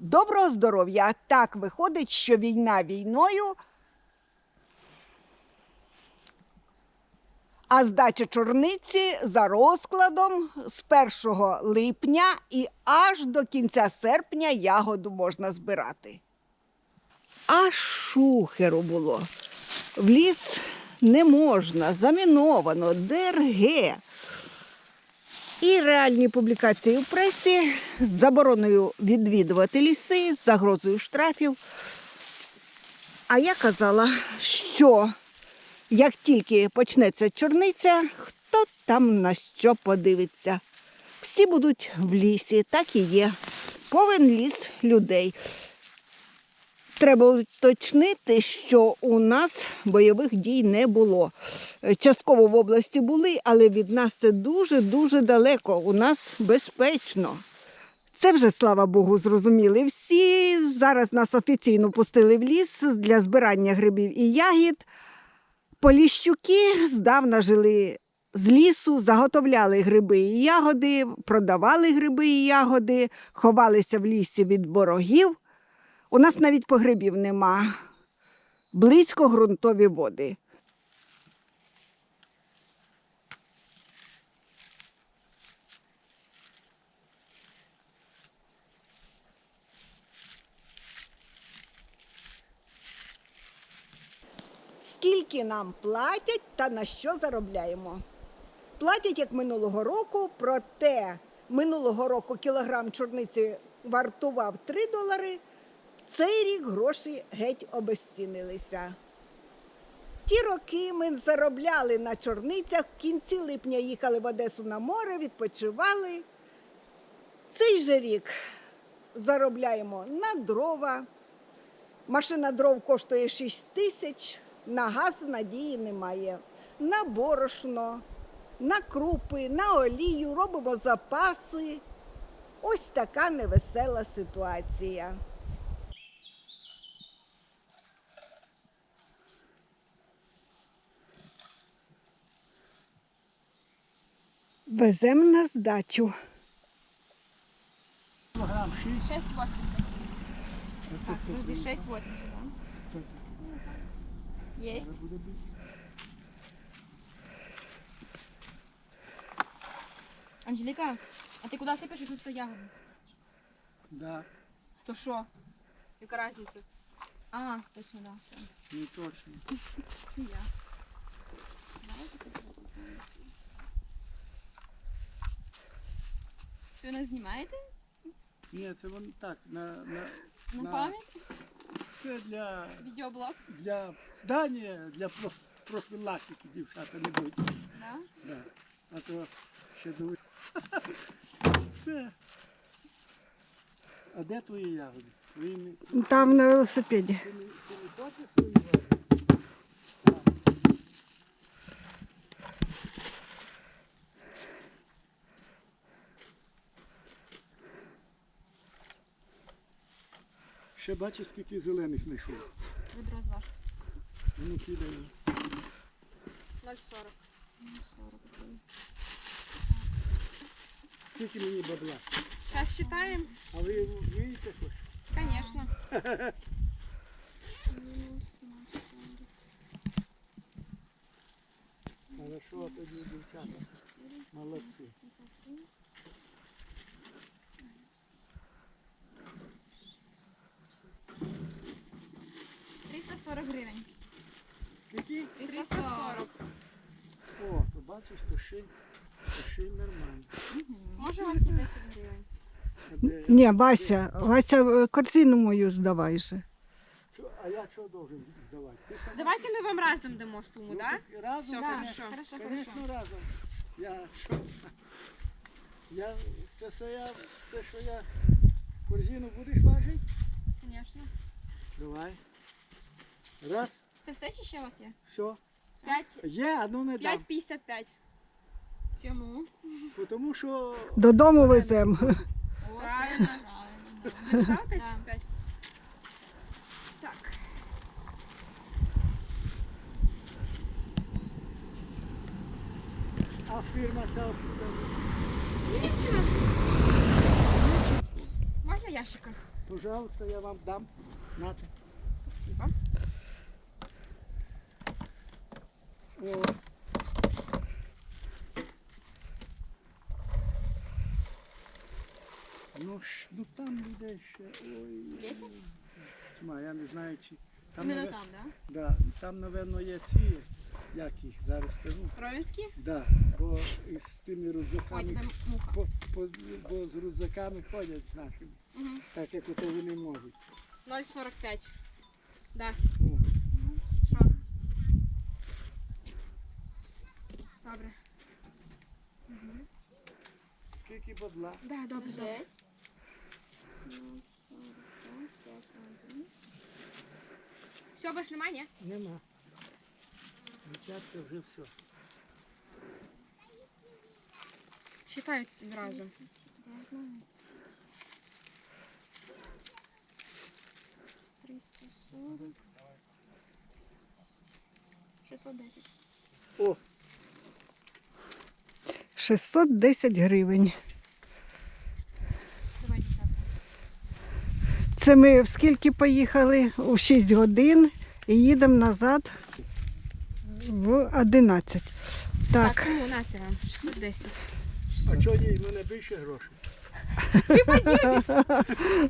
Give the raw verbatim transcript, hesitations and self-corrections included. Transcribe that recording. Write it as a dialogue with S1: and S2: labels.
S1: Доброго здоров'я! Так виходить, що війна війною, а здача чорниці за розкладом з першого липня і аж до кінця серпня ягоду можна збирати. Аж шухеру було. В ліс не можна, заміновано, ДРГ. І реальні публікації в пресі з забороною відвідувати ліси, з загрозою штрафів. А я казала, що як тільки почнеться чорниця, хто там на що подивиться. Всі будуть в лісі, так і є. Повен ліс людей. Треба уточнити, що у нас бойових дій не було. Частково в області були, але від нас це дуже-дуже далеко. У нас безпечно. Це вже, слава Богу, зрозуміли всі. Зараз нас офіційно пустили в ліс для збирання грибів і ягід. Поліщуки здавна жили з лісу, заготовляли гриби і ягоди, продавали гриби і ягоди, ховалися в лісі від ворогів. У нас навіть погребів нема. Близько ґрунтові води. Скільки нам платять та на що заробляємо? Платять, як минулого року, проте минулого року кілограм чорниці вартував три долари, цей рік гроші геть обезцінилися. Ті роки ми заробляли на чорницях, в кінці липня їхали в Одесу на море, відпочивали. Цей же рік заробляємо на дрова. Машина дров коштує шість тисяч, на газ надії немає. На борошно, на крупи, на олію, робимо запаси. Ось така невесела ситуація. Веземо на здачу.
S2: шесть восемьдесят. Так, подожди, шесть восемьдесят, да? Есть. Анжелика, а ты куда сыпешь эту ягоду?
S3: Да,
S2: То шо? Яка разница? А, точно, да. Всё.
S3: не точно.
S2: И я. Що, нас знімаєте?
S3: Ні, це вон так, на, на,
S2: На
S3: На-
S2: пам'ять?
S3: це для,
S2: Відеоблог?
S3: для, да, ні, для про- профілактики дівчата не будуть.
S2: Да?
S3: Да. А то ще думаю. Все. А де твої ягоди? Твої не,
S1: Там на велосипеді.
S3: ти не, ти не хочеш свої ягоди? Ще бачиш, скільки зелених знайшов.
S2: Відро з ваш.
S3: Ну, кидаю.
S2: ноль сорок.
S3: Скільки мені бабла?
S2: Сейчас считаем.
S3: А ви вмієте хоч?
S2: Конечно.
S3: Хорошо, тоді дівчата. Молодці.
S2: триста сорок гривень.
S3: Скільки?
S2: триста сорок.
S3: О, то бачиш, то ще, то ще й нормально.
S2: Може вам десять гривень?
S3: А, де-
S1: Ні, Вася, Вася, корзину мою здавай же.
S3: Що- а я що должен здавати? Ти сама?
S2: Давайте ми вам разом дамо суму,
S3: Ну,
S2: да?
S3: так разом,
S2: Все,
S3: конечно,
S2: хорошо. Хорошо,
S3: конечно,
S2: хорошо.
S3: разом. Я що? Я, це, все я, це що я корзину будеш важити?
S2: Конечно.
S3: Давай. Раз,
S2: Це все чи ще у вас є?
S3: все.
S2: п'ять
S3: Є, одну не дам.
S2: п'ятдесят п'ять. Чому?
S3: Тому що
S1: Додому веземо.
S2: Правильно. Написала п'ять п'ять? Так.
S3: а фірма ця откуда?
S2: Нічого. Можна ящика?
S3: Пожалуйста, я вам дам. Нате.
S2: Спасибо.
S3: О. Ну, ж, ну там людей ще. Ой.
S2: Десять?
S3: Тьма, я не знаю, чи. Там,
S2: Іменно
S3: наве-
S2: там, да?
S3: Да, там, напевно, є ці, як їх зараз скажу.
S2: Ровенські?
S3: Да, бо із тими
S2: Ой,
S3: рюкзаками,
S2: тебе муха.
S3: по, по, бо з рюкзаками ходять нашими,
S2: Угу.
S3: так як ото вони можуть.
S2: ноль сорок п'ять. Да.
S3: Ну,
S2: Що? Добре.
S3: скільки бабла?
S2: Да, добре, добре. Все, більше немає, ні?
S3: Нема. Дівчатка вже все.
S2: Считають одразу. Я знаю. триста сорок. шістсот десять.
S3: О,
S1: шістсот десять гривень.
S2: Давай десятку.
S1: Це ми в скільки поїхали? У шість годин і їдемо назад в одинадцять.
S2: Так,
S1: Так,
S2: тому нате вам. шістсот десять.
S3: а чого їй в мене більше грошей?